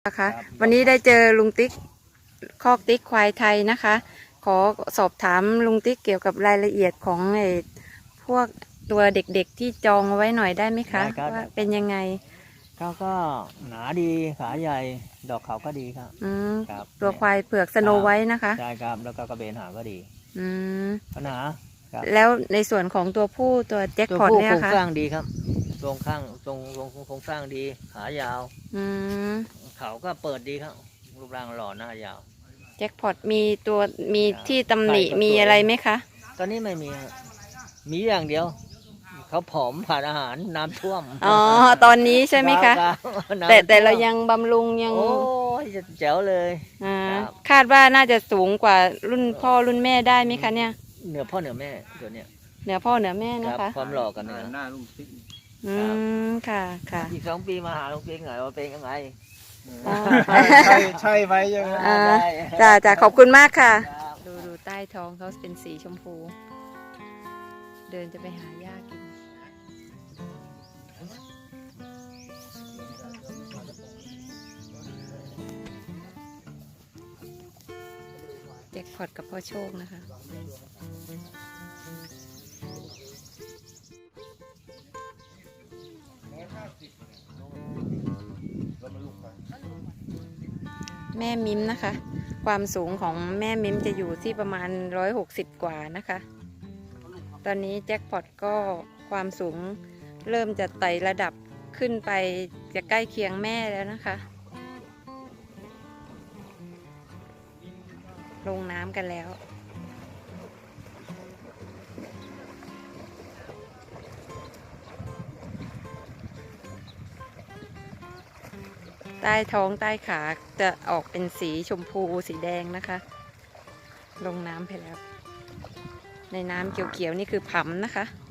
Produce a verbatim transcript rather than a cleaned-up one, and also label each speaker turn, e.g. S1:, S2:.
S1: นะคะวันนี้ได้เจอลุงติ๊กคอกติ๊กควายไทยนะคะขอสอบถามลุงติ๊กเกี่ยวกับรายละเอียดของไอ้พวกตัวเด็กๆที่จองเอาไว้หน่อยได้ไหมคะว่าเป็นยังไง
S2: เขาก็หนาดีขาใหญ่ดอกเขาก็ดีครับ
S1: อืม
S2: ครับ
S1: ตัวควายเผือกสโนไว้นะคะ
S2: ใช่ครับแล้วก็กระเบนหางก็ดี
S1: อืม
S2: ปัญหา
S1: แล้วในส่วนของตัวผู้ตัวแจ็คพอตเนี่ยค่ะ
S2: โครงสร้างดีครับตรงข้างตรงตรงโครงสร้างดีขายาว
S1: อืม
S2: เขาก็เปิดดีครับรูปร่างหล่อหน้ายาว
S1: แจ็คพอตมีตัวมีที่ตำหนิมีอะไรไหมคะ
S2: ตอนนี้ไม่มีมีอย่างเดียวเขาผอมผ่านอาหารน้ำท่วม
S1: อ๋อตอนนี้ใช่ไหมคะแต่แต่เรายังบำรุงยัง
S2: โอ้ยแจ๋วเลย
S1: อ่าคาดว่าน่าจะสูงกว่ารุ่นพ่อรุ่นแม่ได้ไหมคะเนี่ย
S2: เหนือพ่อเหนือแม่ตัวเนี้ย
S1: เหนือพ่อเหนือแม่นะคะ
S2: ความหล่อกันเนี่ย
S3: หน้าลุงติ๊ก
S1: อืมค่ะค่ะ
S2: อีกสองปีมาหาลุงติ๊กหน่อยว่าเป็นยังไง
S3: ใช่ใช่ไว้ยังไง
S1: จ้าจ้าขอบคุณมากค่ะดูดูใต้ท้องเขาเป็นสีชมพูเดินจะไปหาหญ้ากินแจ็คพอตกับพ่อโชคนะคะแม่มิมนะคะความสูงของแม่มิมจะอยู่ที่ประมาณร้อยหกสิบกว่านะคะตอนนี้แจ็คพอตก็ความสูงเริ่มจะไต่ระดับขึ้นไปจะใกล้เคียงแม่แล้วนะคะลงน้ำกันแล้วใต้ท้องใต้ขาจะออกเป็นสีชมพูสีแดงนะคะลงน้ำไปแล้วในน้ำเขียวๆนี่คือผำนะคะ